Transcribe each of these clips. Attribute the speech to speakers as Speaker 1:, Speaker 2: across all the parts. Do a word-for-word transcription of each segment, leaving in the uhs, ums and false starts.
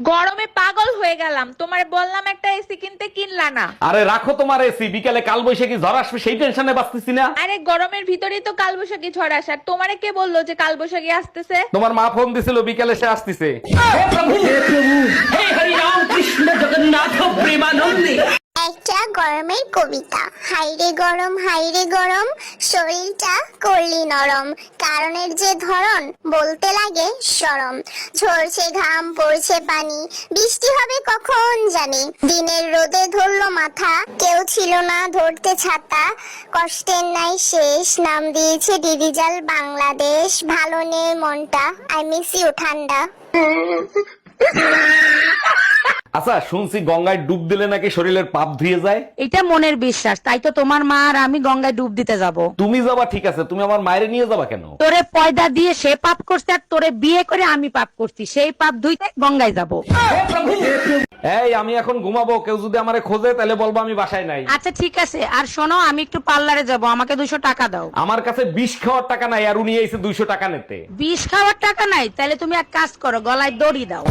Speaker 1: গরমে পাগল হয়ে গেলাম, তোমার বললাম একটা এসি কিনতে, কিনলা না।
Speaker 2: আরে রাখো তোমার এসি, বিকালে কাল বৈশাখী ঝড় আসবে সেই টেনশনে বাঁচতেছি না।
Speaker 1: আরে গরমের ভিতরেই তো কালবৈশাখী ঝড় আসার, তোমারে কে বললো যে কালবৈশাখী আসতেছে?
Speaker 2: তোমার মা ফোন দিছিল বিকালে সে আসতেছে।
Speaker 3: একটা গরমের কবিতা। হাইরে গরম হাইরে গরম, শরীরটা করলি নরম, কারণের যে ধরন বলতে লাগে শরম। ঝরছে ঘাম পড়ছে পানি, বৃষ্টি হবে কখন জানি, দিনের রোদে ধরলো মাথা, কেউ ছিল না ধরতে ছাতা। কষ্টের নাই শেষ, নাম দিয়েছে ডিভিজাল বাংলাদেশ, ভালো নেই মনটা, আই মিস ইউ ঠান্ডা।
Speaker 2: আচ্ছা শুনছি গঙ্গায় ডুব দিলে নাকি শরীরের পাপ ধুয়ে যায়।
Speaker 4: এটা মনের বিশ্বাস, তাই তো তোমার মা আর আমি গঙ্গায় ডুব দিতে যাব।
Speaker 2: তুমি যাবা ঠিক আছে, তুমি আমার মায়ের নিয়ে যাবা কেন?
Speaker 4: তোরে পয়দা দিয়ে সে পাপ করছে আর তোরে বিয়ে করে আমি পাপ করছি, সেই পাপ ধুইতে গঙ্গায় যাব।
Speaker 2: এই আমি এখন ঘুমাবো, কেউ যদি আমারে খোঁজে তাহলে বলবো আমি বাসায় নাই।
Speaker 4: আচ্ছা ঠিক আছে, আর শোনো আমি একটু পার্লারে যাব, আমাকে দুশো টাকা দাও।
Speaker 2: আমার কাছে বিষ খাওয়ার টাকা নাই, আর উনি এসে দুইশো টাকা নিতে।
Speaker 4: বিষ খাওয়ার টাকা নাই? তাহলে তুমি এক কাজ করো, গলায় দড়ি দাও।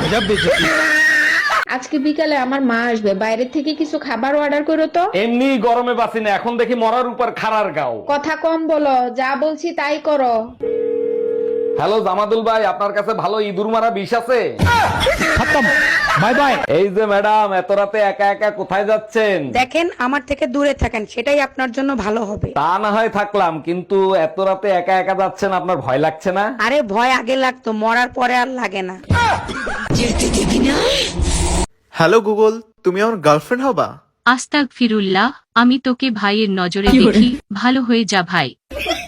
Speaker 1: আজকে বিকালে আমার মা আসবে, বাইরে থেকে কিছু খাবার অর্ডার করো তো।
Speaker 2: এমনি গরমে বাঁচি না, এখন দেখি মরার উপর খাড়ার গাও।
Speaker 1: কথা কম বলো, যা বলছি তাই করো।
Speaker 2: হ্যালো জামাদুল ভাই, আপনার কাছে ভালো ইঁদুর মারা বিষ আছে?
Speaker 5: Bye bye.
Speaker 2: এই যে ম্যাডাম, এত রাতে একা একা কোথায় যাচ্ছেন?
Speaker 4: দেখেন আমার থেকে দূরে থাকেন, সেটাই আপনার জন্য ভালো হবে।
Speaker 2: তা না হয় থাকলাম, কিন্তু এত রাতে একা একা যাচ্ছেন, আপনার ভয় লাগছে না?
Speaker 4: আরে ভয় আগে লাগতো, মরার পরে আর লাগে না।
Speaker 5: হ্যালো গুগল, তুমি আমার গার্লফ্রেন্ড হবা?
Speaker 6: আস্তাগফিরুল্লাহ, আমি তোকে ভাইয়ের নজরে দেখি, ভালো হয়ে যা ভাই।